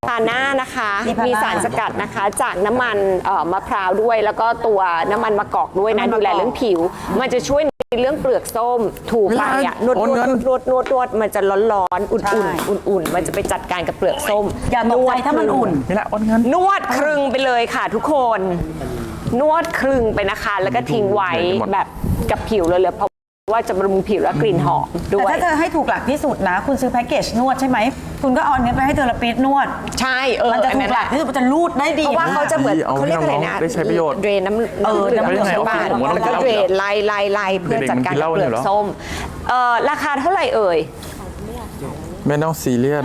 พาน่านะคะมีสารสกัดนะคะจากน้ำมันมะพร้าวด้วยแล้วก็ตัวน้ำมันมะกอกด้วยนะดูแลเรื่องผิว มันจะช่วยในเรื่องเปลือกส้มถูกไปอ่ะนวดมันจะร้อนๆอุ่นๆมันจะไปจัดการกับเปลือกส้มอย่าตกใจถ้ามันอุ่นนี่แหละอ้นเงินนวดครึ่งไปเลยค่ะทุกคนนวดครึ่งไปนะคะแล้วก็ทิ้งไว้แบบกับผิวเลยเพราะว่าจะบำรุงผิวและกลิ่นหอมด้แต่วยถ้าเธอให้ถูกหลักที่สุดนะ คุณซื้อแพ็กเกจนวดใช่ไหม คุณก็เอาอันนี้ไปให้เทอราปิสต์นวดใช่มันจะถูกหลักที่สุดมันจะรูดได้ดีเพราะว่าเขาจะเหมือนเขาเรียกอะไรนะได้ใช้ประโยชน์เดรนน้ำเหลืองบ้านแล้วก็เดรนไล่เพื่อจัดการกับเปลือกส้มราคาเท่าไหร่เอ่ยไม่ต้องซีเรียส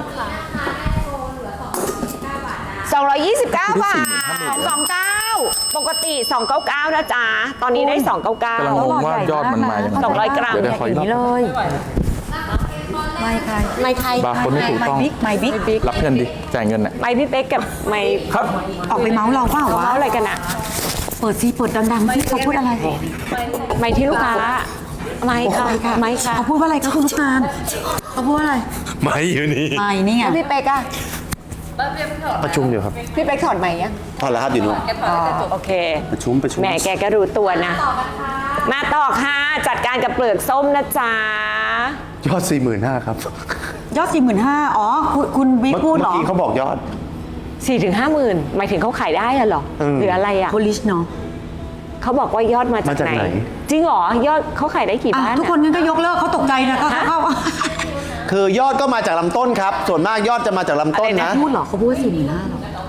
229 บาท229ปกติ299นะจ๊ะตอนนี้ได้299 กำลังงงว่ายอดมันมาอย่างไร 200 กรัมเดี๋ยวขออีกรอบเลยไม่ใครไม่ใครบาร์โค้ดไม่ถูกต้องไม่บิ๊กรับเงินดิจ่ายเงินน่ะไม่พี่เป๊กกับไม่ครับออกไปเมาส์เราเปล่าวะเมาอะไรกันอะเปิดซีเปิดดังๆที่เขาพูดอะไรไม่ที่ลูกค้าไม่ค่ะไม่ค่ะเขาพูดว่าอะไรคะคุณลูกตาลเขาพูดว่าอะไรไม่อยู่นี่ไม่นี่ไงพี่เป๊กอะประชุมอยู่ครับพี่เป๊กถอดไหมยังพอแล้วครับอยู่นู่นโอเคประชุมแหมแกก็รู้ตัวนะ มาต่อค่ะจัดการกับเปลือกส้มนะจ๊ะยอด 45,000ครับยอด 45,000อ๋อคุณบิ๊กพูดเหรอเมื่อกี้เขาบอกยอด 4 ถึง 50,000หมายถึงเขาขายได้อะเหรอหรืออะไรอะโพลิชเนาะเขาบอกว่ายอดมาจากไหน จริงเหรอยอดเขาขายได้กี่บ้านทุกคนงั้นก็ยกเลิกเขาตกใจนะเขาคือยอดก็มาจากลำต้นครับ ส่วนมากยอดจะมาจากลำต้นนะพูดเหรอเขาพูดว่า45,000หรอ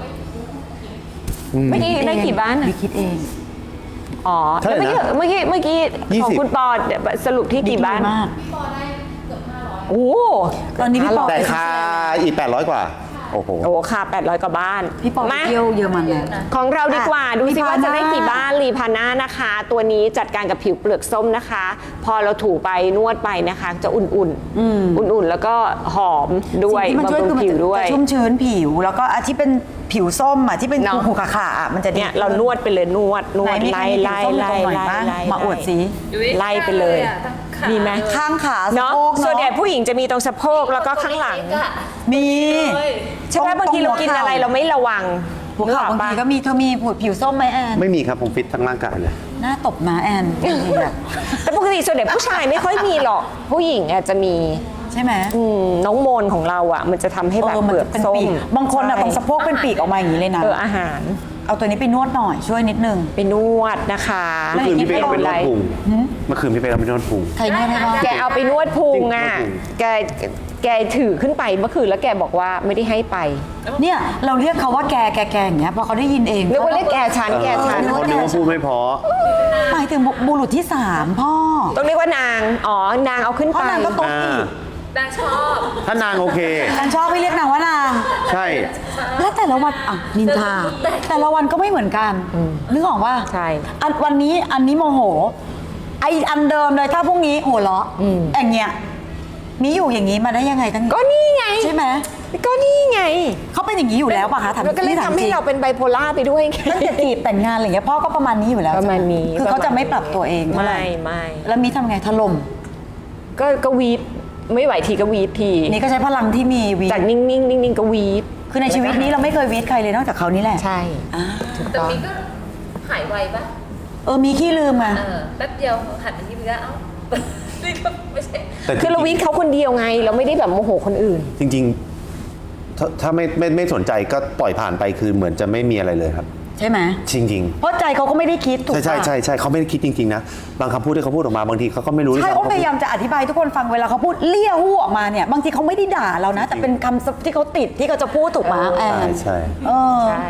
ไม่ได้กี่บ้านอะบิ๊กคิดเองอ๋อเท่าไหร่นะเมื่อกี้ของ 20 คุณปอสรุปที่กี่บ้านมากโอ้ตอนนี้พี่ปอแต่ค่าอีก 800 กว่า โอ้โหโหค่ะ800 กว่าบ้านพี่ปอไปมาเที่ยวเยอรมันแล้วของเราดีกว่าดูสิว่ารีพาน่าจะได้กี่บ้านรีพาน่านะคะ ตัวนี้จัดการกับผิวเปลือกส้มนะคะ พอเราถูไปนวดไปนะคะ จะอุ่นๆแล้วก็หอมด้วยสิ่งที่มันช่วยบำรุคืงอมันผิวด้วยจะชุ่มชื้นผิว แล้วก็ที่เป็นผิวส้มอ่ะที่เป็นเนาะหูขาๆอ่ะมันจะดีเนี่ยเรานวดไปเลยนวดไหนมีใครมีผิวส้มอยู่ตรงไหนบ้างมาอวดสิไล่ไปเลยมีไหมข้างขาสะเนาะโพกส่วนใหญ่เนาะผู้หญิงจะมีตรงสะโพกแล้วก็ข้างหลังมีใช่ไหมบางทีเรากินอะไรเราไม่ระวังหัวเข่าบางทีก็มีเธอมีผิวส้มไหมแอนไม่มีครับ ผมฟิตทั้งร่างกายเลยหน้าตบนะแอนจริงๆอะแต่ปกติส่วนใหญ่ผู้ชายไม่ค่อยมีหรอกผู้หญิงอาจจะมีใช่ไหมน้องโมนของเราอ่ะ มันจะทำให้แบบมัเปลือกเป็นส้มปีกบางคนอ่ะใช่ตรงสะโพกเป็นปีกออกมาอย่างนี้เลยนะอาหารเอาตัวนี้ไปนวดหน่อยช่วยนิดนึงไปนวดนะคะเมื่อคืนพี่เป๊กเอาไปนวดพุงเมื่อคืนพี่เป๊กเอาไปนวดพุงใครนวดให้บ้างแกเอาไปนวดพุงอ่ะจริงแกถือขึ้นไปเมื่อคืนแล้วแกบอกว่าไม่ได้ให้ไปเนี่ยเราเรียกเขาว่าแกอย่างเงี้ยพอเขาได้ยินเองเรียกว่าเรียกแกชันเขานึกว่าพูดไม่เพอหมายถึงบุรุษที่3พ่อต้องเรียกว่านางนางเอาขึ้นพ่อไปนางก็โต๊ะอีกถ้านางโอเคนางชอบให้เรียกนางว่านางใช่แล้วแต่ละวันอ่ะนินทาแต่ละวันก็ไม่เหมือนกันนึกออกว่าใช่วันนี้โมโหไออันเดิมเลยถ้าพรุ่งนี้หัวเราะอย่างเงี้ยมีอยู่อย่างนี้มาได้ยังไงตั้งก็นี่ไงใช่ไหมก็นี่ไงเขาเป็นอย่างนี้อยู่แล้วป่ะคะถามมันก็เลยนี่ถทำให้เราเป็นไบโพล่าไปด้วยไงตั้งแต่จีบแต่งงานอะไรอย่างเงี้ยพ่อก็ประมาณนี้อยู่แล้วประมาณนี้คือเขาจะไม่ปรับตัวเองเท่าไหร่ไม่แล้วมีทำไงถล่มก็วีดไม่ไหวทีก็วีดทีนี่ก็ใช้พลังที่มีวีจากนิ่งๆก็วีดคือในชีวิตนี้เราไม่เคยวีดใครเลยนอกจากเขานี่แหละใช่แต่มีก็หายไวปะมีขี้ลืมอ่ะแป๊บเดียวหันไปที่เนื้อเอ้า นี่ก็ไม่ใช่แต่คือเราวีดเขาคนเดียวไง เราไม่ได้แบบโมโหคนอื่นจริงๆ ถ้าไม่สนใจก็ปล่อยผ่านไปคือเหมือนจะไม่มีอะไรเลยครับใช่ไหมจริงเพราะใจเขาก็ไม่ได้คิดถูกๆปะใช่เขาไม่ได้คิดจริงๆนะ บางคำพูดที่เขาพูดออกมาบางทีเขาก็ไม่รู้ด้วยใช่ซ้ำโอ้พยายามจะอธิบายทุกคนฟังเวลาเขาพูดเลี้ยหู้ออกมาเนี่ยบางทีเขาไม่ได้ด่าเรานะ แต่เป็นคำที่เขาติดที่เขาจะพูดถูกไหมแอใช่นใช่เออใช่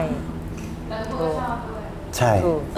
ใช่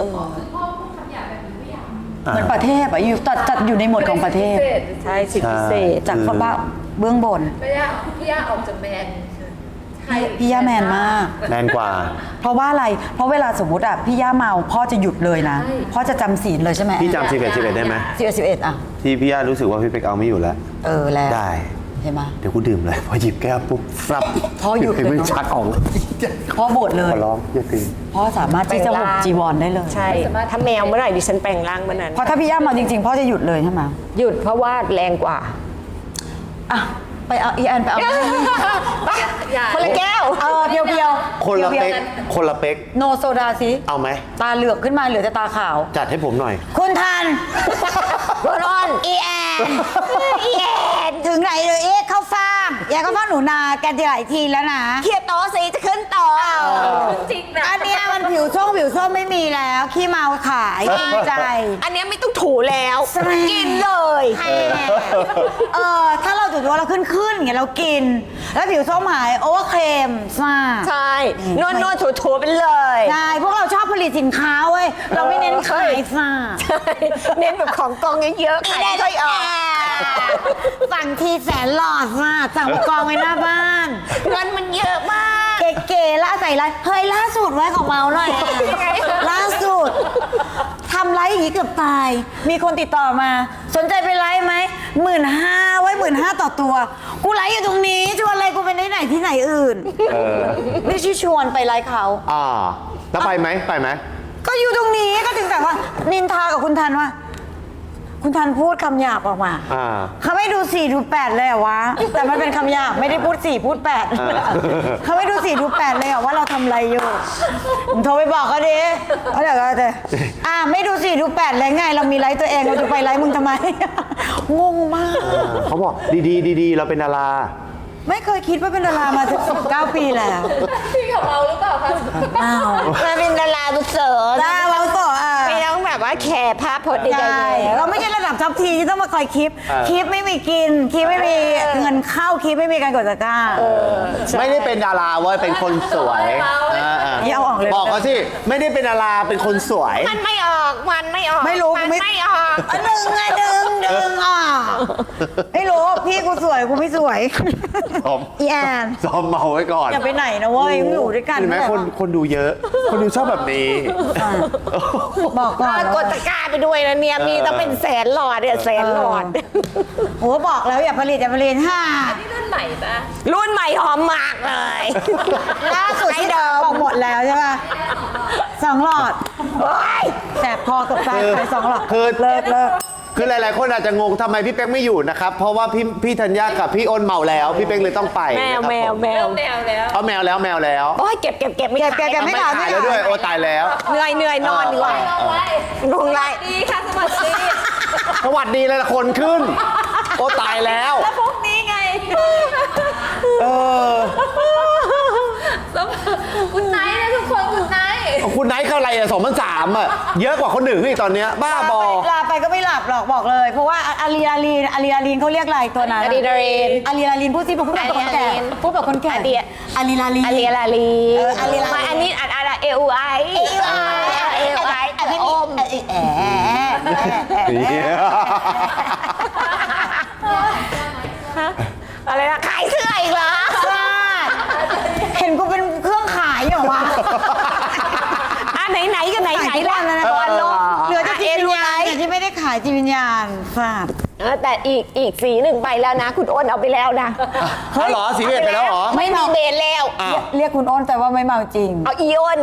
เหมือนประเทศอะอยู่จัดอยู่ในหมวดของประเทศใช่สิทธิพิเศษจากคนบ้าเบื้องบนพี่ย่าออกจากแมนพี่ย่าแมนมากแมนกว่าเพราะว่าอะไร เพราะเวลาสมมติอะพี่ย่าเมาพ่อจะหยุดเลยนะ พ่อจะจำศีลเลยใช่ไหมพี่จำ11ได้ไหม 11อะที่พี่ย่ารู้สึกว่าพี่เป็กเอาไม่อยู่แล้วแล้วได้ใช่ไหมเดี๋ยวกูดื่มเลย พอหยิบแก้วปุ๊บฟับพ่อหยุดเลยเนอะไม่ชักออกเลยพ่อโบสถ์เลยขอร้องอย่าตีพ่อสามารถที่จะห่มจีวรได้เลยใช่ ถ้าแมวเมื่อไหร่ดิฉันแปลงร่างเมื่อนั้นเพราะถ้าพี่ย่าเมาจริงๆพ่อจะหยุดเลยใช่ไหมหยุดเพราะว่าแรงกว่าอ่ะไปเอาอีแอนไปเอาคนละแก้วเพียวคนละเป๊กคนละเป๊กโนโซดาสิเอาไหมตาเหลือกขึ้นมาเหลือแต่ตาขาวจัดให้ผมหน่อยคุณทันคุณอ้นอีแอนอีแอนถึงไหนเลยเอ๊ะเข้าฟ่างอย่าเข้าฟ่างหนูนาแกจะหลายทีแล้วนะเคลียร์โต๊ะสิจะขึ้นโต๊ะจริงนะอันเนี้ยมันผิวส้มไม่มีแล้วขี้เมาขายจริงใจอันเนี้ยไม่ต้องถูแล้วแซ่บกินเลยถ้าเราจุดว่าเราขึ้นอย่างเงี้ยเรากิน แล้วผิวส้มหายโอเวอร์เคมซ่าใช่นวดถูๆไปเลยใช่พวกเราชอบผลิตสินค้าเว้ยเราไม่เน้นขายซ่าใช่เน้นแบบของกองเยอะๆขายไม่ค่อยออกสั่งทีแสนหลอดซ่าสั่งมากองไว้หน้าบ้านเงินมันเยอะมากเก๋ๆละใส่ไลฟ์เฮ้ยล่าสุดไว้ของเมาหน่อยล่าสุดทำไลฟ์อย่างนี้เกือบตาย มีคนติดต่อมา สนใจไปไลฟ์ไหม15,000ไว้15,000ต่อตัว กูไลฟ์อยู่ตรงนี้ชวนอะไรกูไปไหนที่ไหนอื่นไม่ใช่ชวนไปไลฟ์เขาแล้วไปไหมไปไหมก็อยู่ตรงนี้ก็ถึงแต่ว่า นินทากับคุณทันว่า คุณทันพูดคำหยาบออกมาเขาไม่ดู4ดู8เลยเหรอวะแต่มันเป็นคำหยาบไม่ได้พูด4พูด8เขาไม่ดู4ดู8เลยเหรอว่าเราทำอะไรอยู่ผมโทรไปบอกเขาดิเขาเดี๋ยวก็จะไม่ดู4ดู8เลยไงเรามีไลฟ์ตัวเองเราจะไปไลฟ์มึงทำไม งงมากเขาบอกดีๆเราเป็นดาราไม่เคยคิดว่าเป็นดารามาถึง19 ปีแล้วพี่กับเราหรือเปล่าคะอ้าวมาเป็นดาราบุเสริฐดาราต่อไม่ต้องแบบว่าแคร์ภาพพจน์ใดใช่ๆเราไม่ใช่ระดับท็อปทีที่ต้องมาคอยคลิป คลิปไม่มีกิน คลิปไม่มีเงินเข้า คลิปไม่มีการกดตะกร้าไม่ได้เป็นดาราเว้ยเป็นคนสวยอย่าเอาออกเลยบอกเขาสิไม่ได้เป็นดาราเป็นคนสวยมันไม่ออก มันไม่ออกไม่รู้มันไม่ออกดึงไงดึงอ่ะไม่รู้พี่กูสวยกูไม่สวยซ้อมอีแอนซ้อมเมาไว้ก่อนอย่าไปไหนนะเว้ยอยู่ด้วยกันเห็นไหมคนดูเยอะ คนดูชอบแบบนี้บอกก่อนกดตะกร้าไปด้วยนะเนี่ยมีต้องเป็นแสนหลอดเนี่ยแสนหลอดโอ้บอกแล้วอย่าผลิตฮ่านี่รุ่นใหม่ปะรุ่นใหม่หอมมากเลยล่าสุดที่เดิมบอกหมดแล้วใช่ป่ะ2 หลอดแสบคอกับตายไป2 หลอดคือเลิกคือหลายๆคนอาจจะงงทำไมพี่เป๊กไม่อยู่นะครับ เพราะว่าพี่ธัญญากับพี่อ้นเมาแล้ว พี่เป๊กเลยต้องไปแมวนะครับแมวผมแมวเริ่มแนวแล้วเอาแมวแล้วโอ้ยเก็บไม่ขายเก็บไม่ไม่ขายแล้วด้วยโอ้ตายแล้วเหนื่อยนอนดีกว่าเอาไว้ลงไลดีค่ะสวัสดีสวัสดีเลยละคนขึ้น โอ้ตายแล้วแล้วพวกนี้ไง คุณไนท์นะทุกคนคุณไนท์คุณไนท์เข้าอะไรอ่ะ2,300อ่ะเยอะกว่าคนหนึ่งอีกตอนเนี้ยบ้าบอลาไปก็ไม่หลับหรอกบอกเลย เพราะว่าอะลีนาลีนเขาเรียกอะไรตัวนั้นอะดรีนาลีนพูดสิพูดแบบคนแก่พูดแบบคนแก่อะดรีอะลีนาลีนอาลีลาลีอาลีลาลีมาอันนี้อะไรเออูไอเออูไอพี่อมอะไรนะขายเสื้ออีกเหรอเห็นกูเป็นเครื่องขายเหรอวะไหนกันไหนขายทุกวันแล้วนะตอนลงเหลือแต่จิตวิญญาณแต่ที่ไม่ได้ขายจิตวิญญาณทราบแต่อีกสีหนึ่งไปแล้วนะ คุณอ้นเอาไปแล้วนะเหรอสีเบจไปแล้วเหรอไม่มีเบนแล้วเรียกคุณอ้นแต่ว่าไม่เมาจริงเอาอีอ้น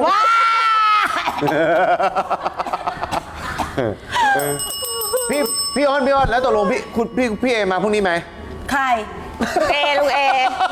พี่อ้นแล้วตกลงพี่เอมาพรุ่งนี้ไหมใครลุงเอ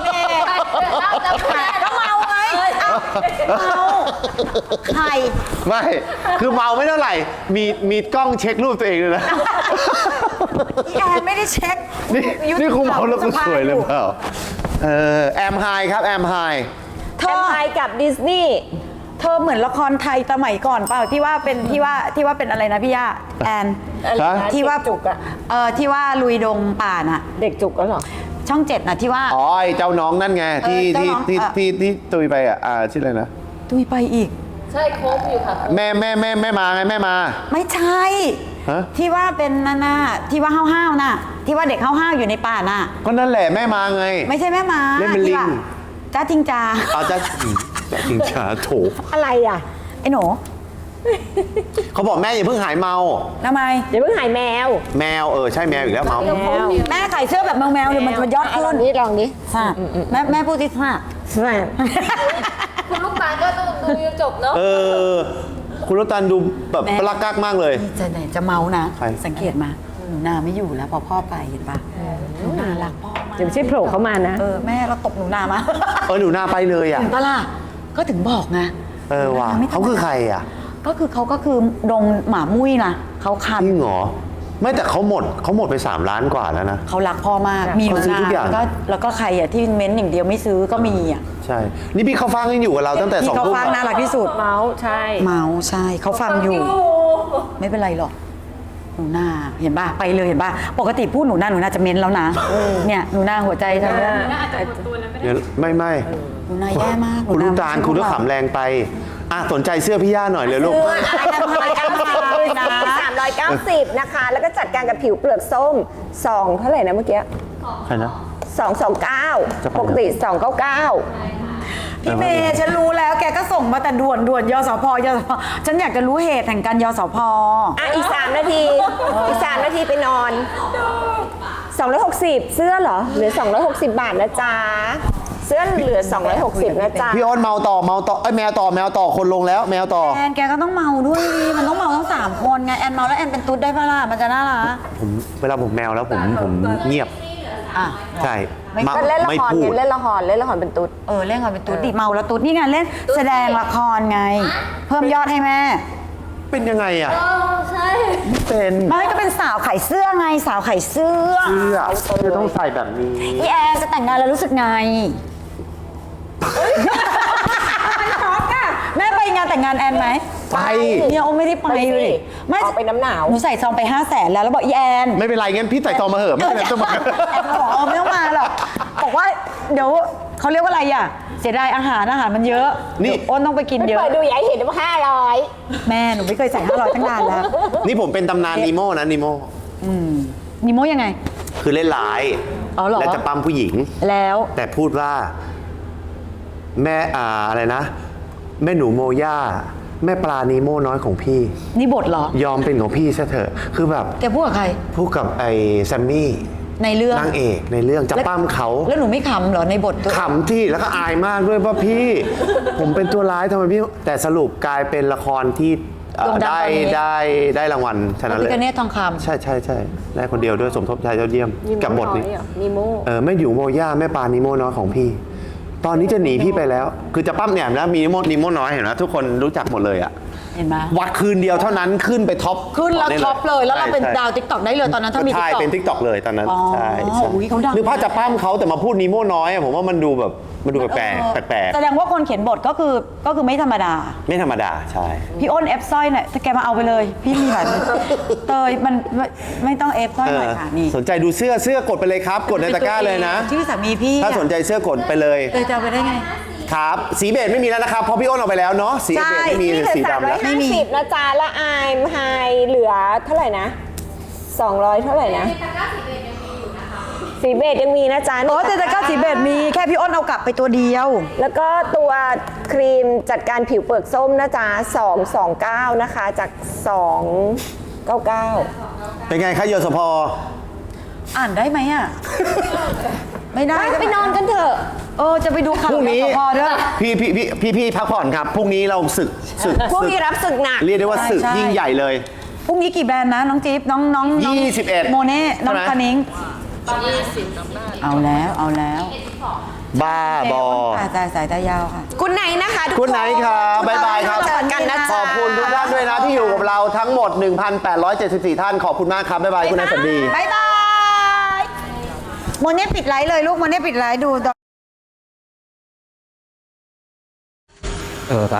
ก็เมาไงเมาใครไม่คือเมาไม่เท่าไหร่มีกล้องเช็ครูปตัวเองเลยนะแอนไม่ได้เช็คนี่คุณเมาแล้วคุณสวยเลยเปล่าแอมไฮครับแอมไฮแอมไฮกับดิสนีย์เธอเหมือนละครไทยสมัยก่อนเปล่าที่ว่าเป็นอะไรนะพี่ย่าแอนที่ว่าจุกอะที่ว่าลุยดงป่าน่ะเด็กจุกก็หรอช่อง7น่ะที่ว่าอ๋อไอ้เจ้าน้องนั่นไงที่ตุยไปอ่ะชื่ออะไรนะตุยไปอีกใช่โค้งอยู่ค่ะแม่มาไงแม่มาไม่ใช่ฮะที่ว่าเป็นน่ะที่ว่าห้าวๆน่ะที่ว่าเด็กห้าวๆอยู่ในป่าน่ะก็นั่นแหละแม่มาไงไม่ใช่แม่ม้าเล่นเป็นลิงที่ว่าจ้าจริงจาเอาจะจริงจ้าโถอะไรอ่ะไอ้หนูเขาบอกแม่อย่าเพิ่งหายเมาทำไมเดี๋ยวเพิ่งหายแมวแมวใช่แมวอีกแล้วเมาแม่ขายเสื้อแบบแมวๆเนี่ยมันยอดขึ้นลองดิค่ะแม่พูดที่ค่ะคุณลูกตาลก็ต้องดูจนจบเนาะคุณรตันดูแบบปลักกักมากเลยจะเมานะใครสังเกตมาหนูนาไม่อยู่แล้วพอพ่อไปเห็นปะหนูนารักพ่อมากเดี๋ยวไม่ใช่โผล่เข้ามานะแม่เราตบหนูนามาหนูนาไปเลยอ่ะเห็นปะล่ะก็ถึงบอกไงว่ะไม่ธรรมดเขาคือใครอ่ะก็คือดงหมามุ้ยนะเขาคันจริงเหรอไม่แต่เขาหมดไป3 ล้านกว่าแล้วนะเขารักพ่อมากมีหนูเขาซื้อนาทุกอย่างแล้วก็ใครอ่ะที่เม้นต์อย่างเดียวไม่ซื้อก็มีอ่ะใช่ นี่พี่เขาฟังยังอยู่กับเราตั้งแต่ที่ 2 เขาทุ่มฟังน่ารักที่สุดเมาส์ใช่เมาใช่เขาฟังอยู่ ไม่เป็นไรหรอกหนูนาเห็นป่ะไปเลยเห็นป่ะปกติพูดหนูนาจะเม้นแล้วนะเนี่ยหนูนาหัวใจทำแล้วเดี๋ยวไม่หนูนาแย่มากคุณลูกตาลคุณก็ขำแรงไปสนใจเสื้อพี่ย่าหน่อยเลยลูก 390 นะคะ แล้วก็จัดการกับผิวเปลือกส้ม2เท่าไหร่นะเมื่อกี้ใครนะ 229 ปกติ 299 พี่เมย์ฉันรู้แล้วแกก็ส่งมาแต่ด่วนยสพฉันอยากจะรู้เหตุแห่งการยสพอีก 3 นาที อีก 3 นาทีไปนอน 260 เสื้อเหรอ เหลือ 260 บาทนะจ๊ะ เสื้อเหลือ 260 นะจ๊ะพี่อ้นเมาต่อแมวต่อคนลงแล้วแมวต่อแอนแกก็ต้องเมาด้วยดิมันต้องเมาทั้ง3 คนไงแอนเมาแล้วแอนเป็นตุ๊ดได้ปะล่ะมันจะน่ารักเวลาผมแมวแล้วผมเงียบอ่ะใช่ก็เล่นละไม่ครพูไงดเล่นละครเป็นตุ๊ดเล่นก่อนเป็นตุ๊ดดิเมาแล้วตุ๊ดนี่ไงเล่นแสดงละครไง เพิ่มยอดให้แม่เป็นยังไงอ่ะใช่ไม่เป็นไม่ก็เป็นสาวขายเสื้อไงสาวขายเสื้อเสื้อต้องใส่แบบนี้พี่แอนจะแต่งงานแล้วรู้สึกไงแม่ไปงานแต่งงานแอนไหมไปเนี่ยโอไม่ได้ไปไปสิเลยไม่ออกไปน้ำหนาวหนูใส่ซองไป500,000แล้วบอกอีแอนไม่เป็นไรงั้นพี่ใส่ซองมาเหอะไม่เป็นไรต้องมาแอนบอกไม่ต้องมาหรอกบอกว่าเดี๋ยวเขาเรียกว่าอะไรอ่ะเสียดายอาหารมันเยอะนี่เดี๋ยวอ้นต้องไปกินไม่เยอะเปิดดูอย่าให้เห็นว่า500 แม่หนูไม่เคยใส่500ตั้งนานแล้วนี่ผมเป็นตำนานนีโม่นะนีโม่นิโมยังไงคือเล่นร้ายอ๋อเหรอและจะปั๊มผู้หญิงแล้วแต่พูดว่าแม่อะไรนะ แม่หนูโมย่าแม่ปลานีโม่น้อยของพี่นี่บทเหรอยอมเป็นของพี่ซะเถอะ คือแบบแกพูดกับใครพูดกับไอ้แซมมี่ในเรื่องนางเอกในเรื่องจะปั้มเขาแล้วหนูไม่ขำเหรอในบทตัวขำที่แล้วก็อายมากด้วยว่าพี่ ผมเป็นตัวร้ายทำไมพี่ แต่สรุปกลายเป็นละครที่ได้รางวัลชนะพเลระยพิฆเนศทองคำใช่ได้คนเดียวด้วยสมทบชายยอดเยี่ยมกับบทนี้นิโม่แม่อยู่โมย่าแม่ปลานิโมน้อยของพี่ ตอนนี้จะหนีพี่ไปแล้ว คือจะปั้มแหนมแล้วมีนิโมน้อยเห็นไหมทุกคนรู้จักหมดเลยอะเห็นไหมวัดคืนเดียวเท่านั้นขึ้นไปท็อปขึ้นแล้วได้ท็อปเลยแล้วเราเป็นใช่ดาวติ๊กต็อกได้เลยตอนนั้นถ้ามีใช่ TikTok เป็นทิกตอกเลยตอนนั้นอ๋อใช่อุ๊ยเขาดังหรือพ่อจะปั้มเขาแต่มาพูดนิโมน้อยอะผมว่ามันดูแบบมันดูแปลกแสดงว่าคนเขียนบทก็คือไม่ธรรมดาไม่ธรรมดาใช่พี่อ้นเอฟสร้อยหน่อยถ้าแกมาเอาไปเลย พี่มีแบบเตยมันไม่ต้องเอฟสร้อยหน่อยค่ะนี่สนใจดูเสื้อกดไปเลยครับ กดในตะกร้าเลยนะชื่อสามีพี่ถ้าสนใจเสื้อกดไปเลยเตยจะเอาไปได้ไงครับ สีเบจไม่มีแล้วนะครับเพราะพี่อ้นเอาไปแล้วเนาะสีเบจไม่มีนี่เหลือสีดำแล้วไม่มี 350นะจ๊ะแล้วไอายไฮเหลือเท่าไหร่นะ 200 เท่าไหร่นะสีเบจยังมีนะจ๊ะโอ้แต่ตะกร้าสีเบจมีแค่พี่อ้นเอากลับไปตัวเดียวแล้วก็ตัวครีมจัดการผิวเปลือกส้มนะจ๊ะ229นะคะจาก 299 เป็นไงคะโยสพอ่านได้ไหมอ่ะ ไม่ได้ไปนอนกันเถอะจะไปดูข่าวพรุ่งนี้สพด้วยพี่พักผ่อนครับพรุ่งนี้เราศึกพวกนี้รับศึกหนักเรียกได้ว่าศึกใช่ยิ่งใหญ่เลยพรุ่งนี้กี่แบรนด์นะน้องจิ๊บน้อง 21 โมเน่น้องใช่ไหมคานิงเอาแล้วบ้าบอสายตายาวค่ะคุณไหนนะคะทุกคุณไหนครับบ๊ายบายครับเจอกันนะขจ๊ะอบคุณทุกท่านด้วยนะที่อยู่กับเราทั้งหมด 1,874 ท่านขอบคุณมากครับบ๊ายบายคุณนายสันดีบ๊ายบายโมเน่ปิดไลฟ์เลยลูกโมเน่ปิดไลฟ์ดู